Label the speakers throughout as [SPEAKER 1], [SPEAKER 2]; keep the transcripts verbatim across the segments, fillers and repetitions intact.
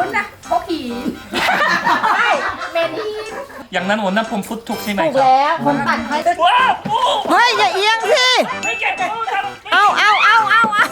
[SPEAKER 1] นู้นนะพกหินใช่เมนหิน
[SPEAKER 2] อย่างนั้นวันนั้นผมพูดถูกใช่ไหม
[SPEAKER 1] ถูก
[SPEAKER 2] ครับ
[SPEAKER 1] แล้วคนตัดให้
[SPEAKER 2] ว้าวโอ้
[SPEAKER 3] เฮ้ยอย่าเอียงสิ
[SPEAKER 2] ไม่เก็บโอ้ทำ
[SPEAKER 3] เอาเอาเอาเอาเอา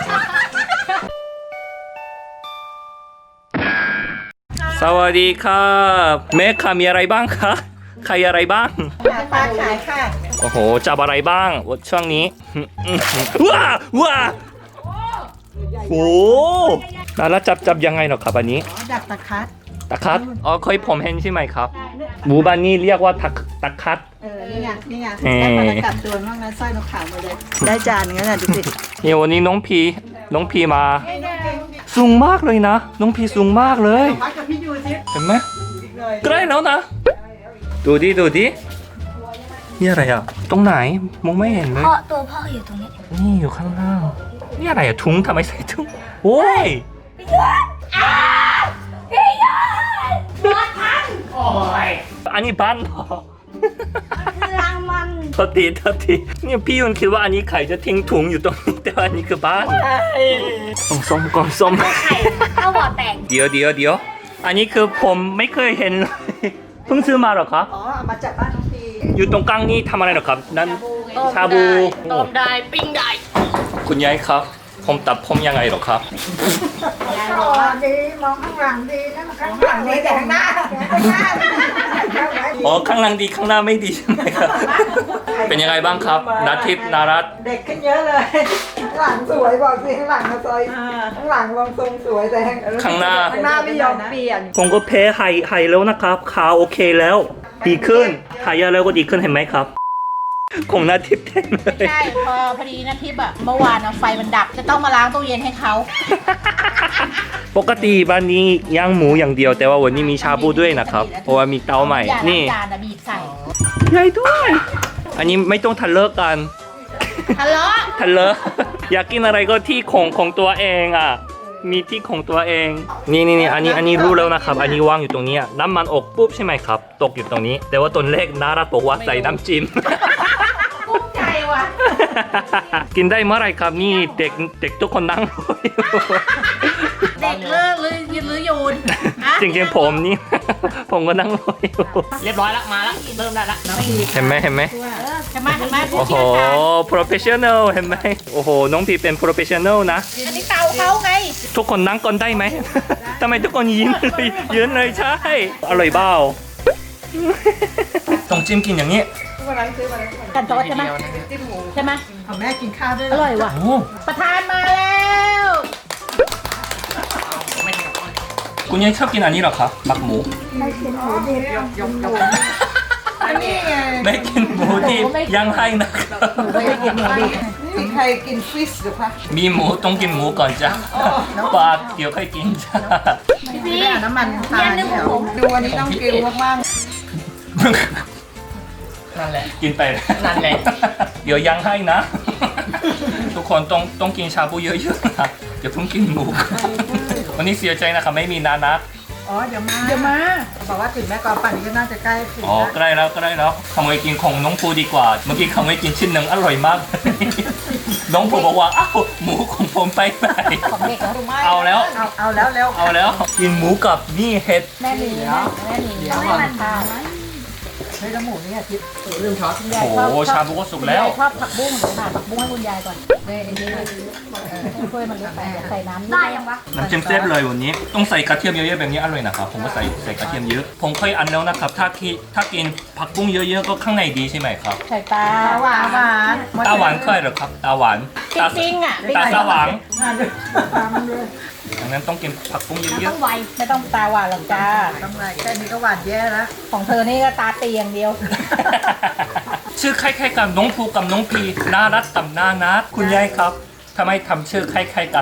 [SPEAKER 2] สวัสดีครับแม่ค้ามีอะไรบ้างคะขายอะไรบ้าง
[SPEAKER 1] ปลาขายค่ะ
[SPEAKER 2] โอ้โหจับอะไรบ้างช่วงนี้ว้าว้าโอ้แล้วจับจับยังไงเหรอครับอันนี้
[SPEAKER 1] ดักตะคัด
[SPEAKER 2] ตะคัดอ๋อเคยผมเห็นใช่ไหมครับหมู่บ้านนี้เรียกว่าตะตะคัด
[SPEAKER 1] เออนี่ไงนี่ไง
[SPEAKER 2] เอ่อ
[SPEAKER 1] ได้ปลากัดตัวบ้างนะสร้อยนกขาวมาเลยได้จานงั้นน่ะดูสิ
[SPEAKER 2] นี่วันนี้น้องพีน้องพีมาสูงมากเลยนะ น้องพีสูงมากเลย
[SPEAKER 1] พักกับพี่ยูสิ
[SPEAKER 2] เห็นไหมใกล้แล้วนะ ดูดิดูดินี่อะไรอ่ะตรงไหนมองไม่เห็นเลย
[SPEAKER 4] พ่อตัวพ่ออยู่ตรงนี้
[SPEAKER 2] นี่อยู่ข้างล่างนี่อะไรอะถุงทำไมใส่ถุงโอ้ย
[SPEAKER 4] พี่ยอนรถพัง
[SPEAKER 2] โอ้ยอันนี้บ้านเหรอ
[SPEAKER 4] คือรางมัน
[SPEAKER 2] โทษทีโทษทีเนี่ยพี่ยุนคิดว่าอันนี้ไข่จะทิ้งถุงอยู่ตรงนี้แต่ว่าอันนี้คือบ้านต้องส้มก่อนส้ม
[SPEAKER 4] ไข่เข้าบ่อแตก
[SPEAKER 2] เดี๋ยวเดี๋ยวเดี๋ยวอันนี้คือผมไม่เคยเห็นเลยเพิ่งซื้อมาเหรอครับ
[SPEAKER 1] อ๋อเอามาจากบ้านน้องพี
[SPEAKER 2] อยู่ตรงกลางนี่ทำอะไรเหรอครับนั่นชาบู
[SPEAKER 4] ต้มได้ปิ้งได้
[SPEAKER 2] คุณยายครับ ผมตัดผมยังไงเหรอครับ
[SPEAKER 1] มองดีมองข้างหลังดีนะข้างหลังดีแต่ข้างหน้าข้างหน้า
[SPEAKER 2] อ๋อข้างหลังดีข้างหน้าไม่ดีใช่ไหมครับ เป็นยังไงบ้างครับนาทิพย์นารัต
[SPEAKER 1] เด็กขึ้นเยอะเลยข้างหลังสวยบอกสิข้างหลังมาซอยข้างหลังลองทรงสวยแต่
[SPEAKER 2] ข้างหน้า
[SPEAKER 1] ข้างหน้าไม่ยอมเปลี่ยน
[SPEAKER 2] ผมก็แพ้ไฮไฮแล้วนะครับขาวโอเคแล้ว ดีขึ้นหายาแล้วก็ดีขึ้นเห็นไหมครับของนาทิพย์เต็มเลย
[SPEAKER 5] ใช่พอพอดีนะทิพย์อะเมื่อวานอะไฟมันดับจะต้องมาล้างตู้เย็นให้เขา
[SPEAKER 2] ปกติบ้านนี้ย่างหมูอย่างเดียว แต่ว่าวันนี้มีชาบูด้วยนะครับ เพราะว่ามีเตาใหม่
[SPEAKER 5] อย่าล้า
[SPEAKER 2] นี่
[SPEAKER 5] งจานอะบีบใส่
[SPEAKER 2] ใหญ่ด้วย อันนี้ไม่ต้องทะเลาะกัน
[SPEAKER 5] ทะเลาะ
[SPEAKER 2] ทะเลาะ อยากกินอะไรก็ที่ของของตัวเองอ่ะ มีที่ของตัวเอง นี่นี่นี่อันนี้อันนี้รู้แล้วนะครับ อันนี้วางอยู่ตรงนี้อะน้ำมันอกปุ๊บใช่ไหมครับ ตกอยู่ตรงนี้ แต่ว่าตอนแรกนารัตบอกว่าใส่น้ำจิ้ม
[SPEAKER 5] กุ้งใจว่ะ
[SPEAKER 2] กินได้เมื่อไหรครับนี่เด็กเด็กทุกคนนั่งรออยู่
[SPEAKER 5] เด็กเลิกหรือยืนหรือยูนฮะ
[SPEAKER 2] จริงๆผมนี่ ผมก็นั่งรออยู่
[SPEAKER 5] เรียบร้อยละมาละเริ่มได้ละ
[SPEAKER 2] เห็นไหมเห็นไหม
[SPEAKER 5] ใช่ไหมใช่ไหมผู้
[SPEAKER 2] โอ้โห
[SPEAKER 5] เชี่ยวชาญ
[SPEAKER 2] professional เห็นไหมโอ้โหน้องพีเป็น professional นะ
[SPEAKER 5] อันนี้เตาเขาไง
[SPEAKER 2] ทุกคนนั่งก่อนได้ไหม ทำไมทุกคนยิ้มเลยยืนเลยใช่อร่อยเปล่า ต้องจิ้มกินอย่างนี้
[SPEAKER 1] วันนั้นซื้อมาแล้ว
[SPEAKER 5] กันโต๊ะใช่ไหม
[SPEAKER 1] จิ้มหมู
[SPEAKER 5] ใช่ไหม
[SPEAKER 1] เอาแม่กินข้าวด้วย
[SPEAKER 5] อร่อยว่ะ
[SPEAKER 2] โอ้
[SPEAKER 5] ประธานมาแล้ว
[SPEAKER 2] คุณยายชอบกินอันนี้เหรอครับหมักหมู
[SPEAKER 1] ยกยกอันนี้ไง
[SPEAKER 2] ไม่กินหมูดิบยังให้นะครับ
[SPEAKER 1] ไม่ได้กินหมูดิมีใครกินฟิชหรือคะ
[SPEAKER 2] มีหมูต้องกินหมูก่อนจ้ะปลาเดี๋ยวค่อยกินจ้ะ
[SPEAKER 1] พี่น้ำมันทานเดี๋ยวดูอันนี้ต้องกินมาก
[SPEAKER 2] นั่นแหละกินไปนั่นแหละเดี๋ยวยังให้นะ ทุกคนต้องต้องกินชาบูเยอะๆนะอย่าเพิ่งกินหมูวันนี้เสียใจนะครับไม่มีนานะ
[SPEAKER 1] ๆอ๋อเดี๋ยวมา
[SPEAKER 5] เดี๋ยวมา
[SPEAKER 1] บอกว่าถึงแม่กอปั่นก็น่าจะใกล้ถึง
[SPEAKER 2] อ๋อใกล้แล้วใกล้แล้วขโมยกินของน้องภูดีกว่า เมื่อกี้ขโมยกินชิ้นหนึ่งอร่อยมาก น้องภูบอกว่าอ้าวหมูของผมไปไหน
[SPEAKER 5] ของเด็กเหรอ
[SPEAKER 2] เอาแล้ว
[SPEAKER 1] เอาเอาแล้วเร็ว
[SPEAKER 2] เอาแล้วกินหมูกับนี่เห็ด
[SPEAKER 5] แม่หลีนะแม่หลี
[SPEAKER 1] เดี๋ยว
[SPEAKER 5] ไม่มันข้าว
[SPEAKER 1] เฮ้ยแล้วหมูนี่อาทิตย์ลืมช็อต
[SPEAKER 5] คุณยาย
[SPEAKER 2] โอ้
[SPEAKER 5] ชอบ
[SPEAKER 2] โหชาบูก็สุกแล้ว
[SPEAKER 5] คุณยายชอบผักบุ้งเดี๋ยวหาผักบุ้งให้คุณยายก่อนเลยอันนี้ช่วยมันลดไปใส่น้ำ
[SPEAKER 4] ได้ยังวะ
[SPEAKER 2] น้ำจิ้มแซ่บเลยวันนี้ต้องใส่กระเทียมเยอะๆแบบนี้อร่อยนะครับผมก็ใส่ใส่กระเทียมเยอะ ผมเคยอันแล้วนะครับถ้าที่ถ้ากินผักบุ้งเยอะๆก็ข้างในดีใช่ไหมครับ
[SPEAKER 5] ใส่ตา
[SPEAKER 1] หวานหวาน
[SPEAKER 2] ตาหวานเคยเหรอครับตาหวาน
[SPEAKER 5] จ
[SPEAKER 2] ตา
[SPEAKER 5] ริงๆอ่ะ
[SPEAKER 2] ตาสว่าง
[SPEAKER 1] งานเลยตามมันเลย
[SPEAKER 2] ดังนั้นต้องกินผักบุ้งเย
[SPEAKER 4] ต้
[SPEAKER 2] อะ
[SPEAKER 4] องไว
[SPEAKER 5] ไม่ต้องตาหวานหรอกจ้า
[SPEAKER 1] ทำไรแค่นี้ก็หวานแย่แล้ว
[SPEAKER 5] ของเธอนี่ก็ตาเตียอย่างเดียว
[SPEAKER 2] ๆ ชื่อคล้ายๆกันน้องภูกับน้องพีน่ารักกับน่านัดคุณยายครับทำไมทำชื่อคล้ายๆกัน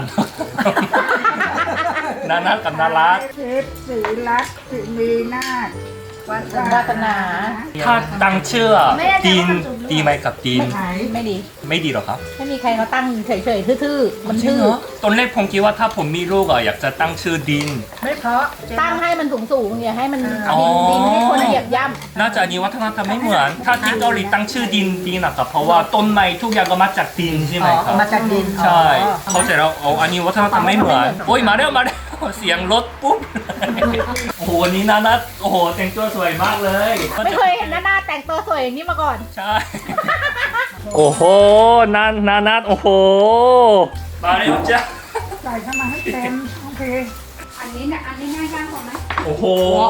[SPEAKER 2] น่านัดกับน่ารัก
[SPEAKER 1] เชฟสีรักสีมีนาควัฒ
[SPEAKER 5] วาสนา
[SPEAKER 2] ถ้าตั้งชื่อดีนดีไหมกับดีน
[SPEAKER 1] ไหน
[SPEAKER 5] ไม่ดี
[SPEAKER 2] ไม่ดีหรอครับ
[SPEAKER 5] ไม่มีใครเขาตั้งเฉยๆทื่อๆมันชื่อ
[SPEAKER 2] ตอนแรกผมคิดว่าถ้าผมมีลูกอะอยากจะตั้งชื่อดิน
[SPEAKER 1] ไม่เพราะ
[SPEAKER 5] ตั้งให้มันสูงๆอย่าให้มัน
[SPEAKER 2] อ๋อ
[SPEAKER 5] ดินดินให้คนเหยียบย่
[SPEAKER 2] น่าจะอันนี้วัฒนธรรมไม่เหมือน ถ้าที่เกาหลีตั้งชื่อดินดินนะครับเพราะว่าต้นไม้ทุกอย่างก็มาจากดินใช่ไหมครับ
[SPEAKER 1] มาจากดิน
[SPEAKER 2] ใช่ เขาใจเราเอาอันนี้วัฒนธรรมไม่เหมือนโอ้ยมาแล้วมาแล้วเสียงรถปุ๊บ โอ้โหวันนี้นานัทโอ้โหแต่งตัวสวยมากเลย
[SPEAKER 5] ไม่เคยเห็นหน้าหน้าแต่งตัวสวยอย่างนี้มาก่อน
[SPEAKER 2] ใช่ โอ้โหนานานัทโอ้โหมาเร็วจ้ะ
[SPEAKER 1] ใส่เข้ามาให้เต็มโอเค
[SPEAKER 5] อันนี้เนี่ยอันนี้ง่ายย่างกว่าไหม
[SPEAKER 2] โอ้โห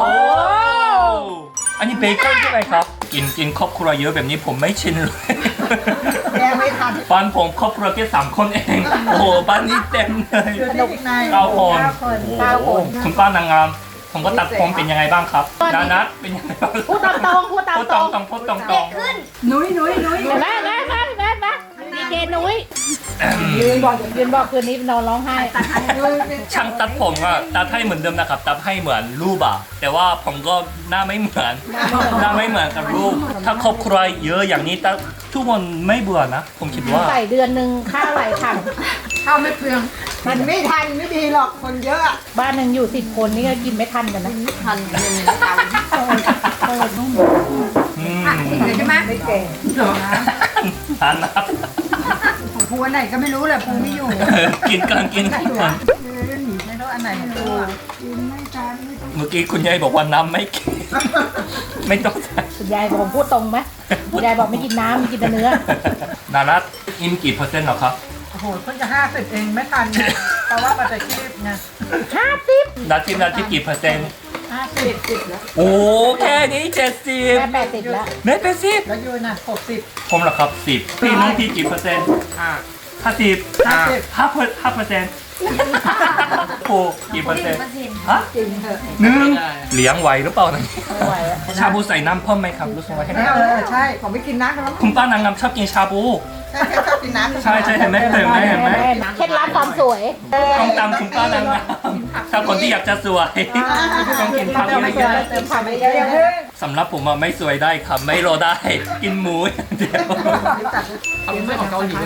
[SPEAKER 2] อันนี้เบคอนใช่ไหมครับ กินกินครอบครัวเยอะแบบนี้ผมไม่ชินเลย
[SPEAKER 1] แกไม่ทัน
[SPEAKER 2] บ้านผมครอบครัวแค่สามคนเอง โอ้โหบ้านนี้เต็มเลย
[SPEAKER 1] สนุกใน
[SPEAKER 2] เก้าคน
[SPEAKER 5] เก้าคน
[SPEAKER 2] คุณป้านางงาม ผมก็ตัดผมเป็นยังไงบ้างครับนานัทเป็นยังไงบ้าง
[SPEAKER 5] พูดตามตรงพูดตาม
[SPEAKER 2] พูด
[SPEAKER 5] ต
[SPEAKER 2] ต
[SPEAKER 5] ร
[SPEAKER 2] รง
[SPEAKER 5] ง
[SPEAKER 2] ตรงพูดตรงตร
[SPEAKER 4] เด็
[SPEAKER 2] ง
[SPEAKER 4] กขึ้น
[SPEAKER 1] นุ้ยนุ้ยนุ้ย
[SPEAKER 5] เห็นไหมแม่แม่แม่แม่ดีเจนุ้ยยืนบอกยืนบอกคืนนี้นอนร้องไห้
[SPEAKER 2] ช่างตัดผมอะตัดให้เหมือนเดิมนะครับตัดให้เหมือนรูปอะแต่ว่าผมก็หน้าไม่เหมือนหน้าไม่เหมือนกับรูป ถ้าครอบครัวเยอะอย่างนี้ตัดทุกคนไม่เบื่อนะ ผมคิดว่า
[SPEAKER 5] ใส่เดือนหนึ่งข้าวไหลถัง
[SPEAKER 1] เข้าไม่เปลืองมันไม่ทันไม่ดีหรอกคนเยอะ
[SPEAKER 5] บ้านหนึ่งอยู่สิบคนนี่ก็กินไม่ทันกันนะ
[SPEAKER 1] ทันหนึ่งทัน
[SPEAKER 2] อืม
[SPEAKER 1] ใช่ไหมไม่เก่งเหรอ
[SPEAKER 2] ทานนะครับ
[SPEAKER 1] ของภูอันไหนก็ไม่รู้แหละภูไม่อยู่
[SPEAKER 2] กินกันกินกัน
[SPEAKER 1] ไม่รู้อันไหนของภูกินไม่ทันไม่ต้อง
[SPEAKER 2] เมื่อกี้คุณยายบอกว่าน้ำไม่กิน ไม่ต้องใส่
[SPEAKER 5] คุณยายบอกผมพูดตรงไหมคุณยายบอกไม่กินน้ำไม่กินแต่เนื้อ
[SPEAKER 2] นานัทอิ่มกี่เปอร์เซ็นต์หรอครับ
[SPEAKER 1] โอ้โหเพิ่งจะห้าสิบเองไม่ทันไงเพราะว่ามันจะคีบไง
[SPEAKER 5] ห้าสิบ
[SPEAKER 2] นาทีนาทีกี่เปอร์เซ็นต์
[SPEAKER 1] ห้าสิบสิบแล้ว
[SPEAKER 2] โอ้แค่นี้เจ็ดสิบ
[SPEAKER 5] แม่แปดสิบแล้ว
[SPEAKER 2] ไม่เป็นสิบ
[SPEAKER 1] แล้วยูน่ะหกสิบ
[SPEAKER 2] ผมเหรอครับสิบพี่น้องพี่กี่เปอร์เซ็นต์ห้าห้าสิบ
[SPEAKER 1] ห้าสิบ
[SPEAKER 2] ห้าเปอร์ห้าเปอร์เซ็นต์โอ้กี่เปอร์เซ็นต์ฮะ
[SPEAKER 1] จริงเถอะ
[SPEAKER 2] หนึ่งเลี้ยงไหวหรือเปล่านะ
[SPEAKER 5] ไม่ไหวแล้ว
[SPEAKER 2] ชาบูใส่น้ำเพิ่มไหมครับรู้สึกว่า
[SPEAKER 1] เออใช่ผมไม่กินน้ำกันแล้ว
[SPEAKER 2] คุณป้านางงามชอบกินชาบู
[SPEAKER 1] ใช่แค่ชอบกินน้ำ
[SPEAKER 2] ใช่ใช่เห็นไหมเห็นไหมเห็นไหม
[SPEAKER 5] เคล็ดลับความสวย
[SPEAKER 2] ต้องตามคุณป้านางงามถ้าคนที่อยากจะสวยต้องกินผักเยอะ
[SPEAKER 5] เติมผักไปเยอะ
[SPEAKER 2] ๆสำหรับผมอะไม่สวยได้ครับไม่รอได้ กินหมูอย่างเดียว
[SPEAKER 1] ทำไม่ของเกาหลีแล้ว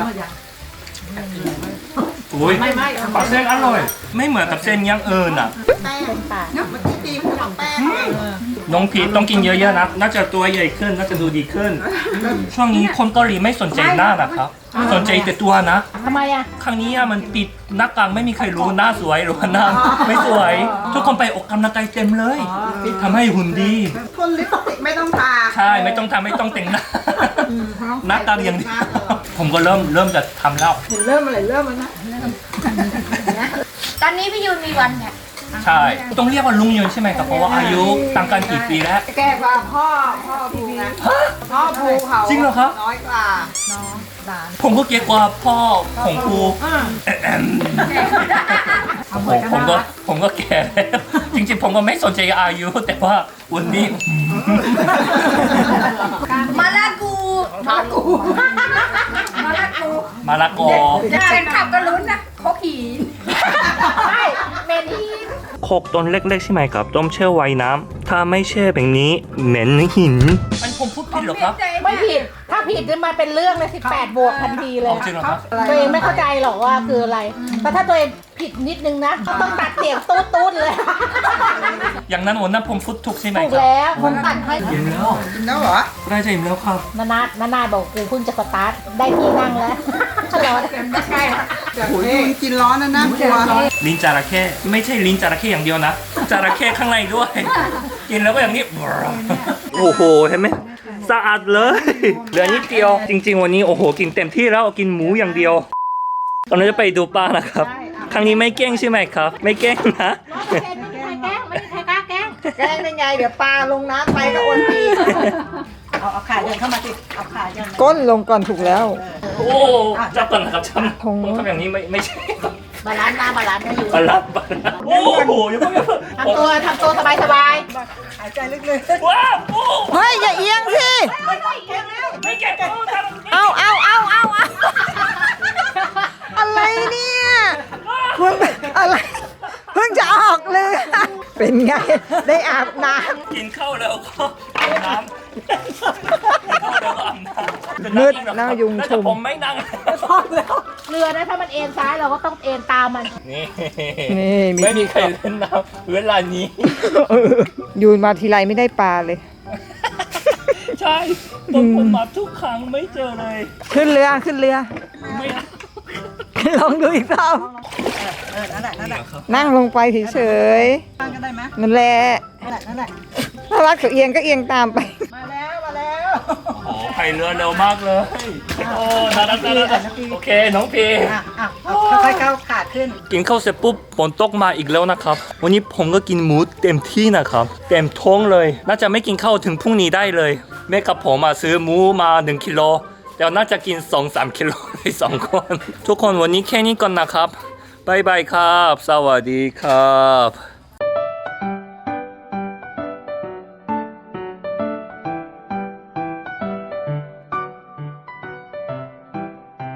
[SPEAKER 2] อุ้ยปลาเส้นอร่อย ไม่เหมือนกับเส้นย่างเอิญอ่ะ
[SPEAKER 5] เป็นปาก
[SPEAKER 1] เนาะเมื่อกี้ตีมันของแป้ง
[SPEAKER 2] น้องพีทต้องกินเยอะๆนะ น่าจะตัวใหญ่ขึ้น น่าจะดูดีขึ้น ช่วงนี้คนเกาหลีไม่สนใจหน้านะครับ สนใจแต่ตัวนะ
[SPEAKER 5] ทำไมอ่ะ
[SPEAKER 2] ครั้งนี้อะมันปิดหน้ากากไม่มีใครรู้หน้าสวยหรือว่าหน้าไม่สวย ทุกคนไปออกกำลังกายเต็มเลยทำให้หุ่นดี
[SPEAKER 1] พ่นลิปสติกไม่ต้องทา
[SPEAKER 2] ใช่ไม่ต้องทำไม่ต้องแต่งหน้า หน้าตาอย่างเดียวผมก็เริ่มเริ่มจะทำแล้ว
[SPEAKER 1] เริ่มอะไรเริ่มแล้วนะ
[SPEAKER 4] ตอนนี้พี่ยูนมีวันเนี่ย
[SPEAKER 2] ใช่ ต้องเรียกว่าลุงยนใช่ไหมครับ เพราะว่าอายุต่างกันกี่ปีแล้ว
[SPEAKER 1] แกกว่าพ่อพ่อภูนะพ่อภูเขา
[SPEAKER 2] จริงเหรอครับ
[SPEAKER 1] น้อยกว่าน้องหลาน
[SPEAKER 2] ผมก็เก๊กกว่าพ่อของครูแอมโอ้โหผมก็ผมก็แก่แล้วจริงๆผมก็ไม่สนใจอายุ แต่ว่าวันนี้
[SPEAKER 4] มาลากู
[SPEAKER 1] มากูมาละกู
[SPEAKER 2] มาละกอ
[SPEAKER 1] แฟนขับก็ลุ้นนะเขาขี่
[SPEAKER 5] ใช่เมนี
[SPEAKER 2] โคกต้นเล็กๆใช่ไหมครับ ต้มแช่ไว้น้ำถ้าไม่แช่แบบนี้เหม็นหิน อันผมพูดผิดเหรอครับ
[SPEAKER 5] ไม่ผิด ถ้าผิดจะมาเป็นเรื่องเลยสิบแปดบวกทันทีเลย
[SPEAKER 2] จริงเหรอครับ
[SPEAKER 5] ตัวเองไม่เข้าใจหรอกว่าคืออะไร แต่ถ้าตัวเองผิดนิดนึงนะก็ต้องตัดเสียงตูดตูดๆเลย
[SPEAKER 2] อย่างนั้นวันนั้นผมพูดถูกใช่ไหม
[SPEAKER 5] ถูก
[SPEAKER 2] ครับ
[SPEAKER 5] แล้วผมตัดให้
[SPEAKER 2] อิ่มแล้ว
[SPEAKER 1] กินแล้วเหรอ
[SPEAKER 2] ได้จะอิ่มแล้วครับ
[SPEAKER 5] นานาดนานาดบอกกูเพิ่งจะสตาร์ทได้ที่นั่งแล้วร้อน
[SPEAKER 1] ใกล้โอ้ยกินร้อนนะนะกลัว
[SPEAKER 2] ลิ้นจระเข้ไม่ใช่ลิ้นจระเข้อย่างเดียวนะจระเข้ข้างในด้วย กินแล้วก็อย่างนี้ โอ้โหเห็นไหมสะอาดเลยเหลือนิดเดียว จริง ๆ วันนี้โอ้โหกินเต็มที่แล้วกินหมูอย่างเดียว ตอนนี้จะไปดูปลานะครับ ครั้งนี้ไม่แกล้งใช่ไหมครับ ไม่แกล้งนะ
[SPEAKER 5] ไม่มีใครแกล้งไม่มีใครกล้าแกล้ง
[SPEAKER 1] แกล้งได้ไงเดี๋ยวปลาลงน้ำไปก็โอนตี
[SPEAKER 5] เอาเอาขาเดินเข้ามาสิเอาขาเดิน
[SPEAKER 1] ก้นลงก่อนถูกแล้ว
[SPEAKER 2] โอ้จับก่อนนะครับจับผมทำอย่างนี้ไม่ไม่ใช่ครับ
[SPEAKER 5] บาลานซ์มาบาลานซ์ให้อยู่
[SPEAKER 2] บาลับบาลับโอ้โหยังไม่
[SPEAKER 5] ทำตัวทำตัวสบายสบาย
[SPEAKER 1] หายใจลึก
[SPEAKER 2] ว้าวโอ้
[SPEAKER 1] ๆเฮ้ยอย่าเอียงสิ
[SPEAKER 2] ไม่แก่โอ้ทำ
[SPEAKER 1] เอาเอาเอาเอาเอาอะไรเนี่ยคุณอะไรเพิ่งจะออกเลย เป็นไงได้อาบน้
[SPEAKER 2] กินข้าวแล้วก็อาบน้ำข้าวแล้วก็อาบน้ำ
[SPEAKER 1] มืดหน้ายุงชุม
[SPEAKER 2] แต่ผมไม่นั่ง
[SPEAKER 5] เรือนะถ้ามันเอ็นซ้ายเราก็ต้องเอ็นตามมัน
[SPEAKER 2] นี่
[SPEAKER 1] นี่มี
[SPEAKER 2] ไม่มีใครเล่นน้ำเวลานี้
[SPEAKER 1] เออยูนมาทีไรไม่ได้ปลาเลย
[SPEAKER 2] ใช่ตอนผมมาทุกครั้งไม่เจอเลย
[SPEAKER 1] ขึ้นเรือขึ้นเรือ
[SPEAKER 2] ไม่เอา
[SPEAKER 1] ลองดูอีกรอบ
[SPEAKER 2] อ
[SPEAKER 1] อนั่นแหละนั่นแหละ
[SPEAKER 3] นั่งลงไปเฉย
[SPEAKER 1] นั่งก็ได้ไหม
[SPEAKER 3] ๆนั่นแหละ
[SPEAKER 1] นั่นแหละนั่นแหละ
[SPEAKER 3] ถ้ารักเขาเอียงก็เอียงตามไป
[SPEAKER 1] มาแล้วมาแล้ว
[SPEAKER 2] โอ้พายเรือเร็วมากเลยโอ้น่ารักน่ารักโอเคน้องพี
[SPEAKER 1] อ่ะอ่ะเอาค่อยๆก้าวขาขึ้น
[SPEAKER 2] กินข้าวเสร็จปุ๊บฝนตกมาอีกแล้วนะครับ วันนี้ผมก็กินหมูเต็มที่นะครับ เต็มท้องเลย น่าจะไม่กินข้าวถึงพรุ่งนี้ได้เลย แม่กับผมมาซื้อหมูมาหนึ่งกิโลแต่น่าจะกิน สองสาม กิโลในสองคน ทุกคนวันนี้แค่นี้ก่อนนะครับบ๊ายบายครับ สวัสดีครับ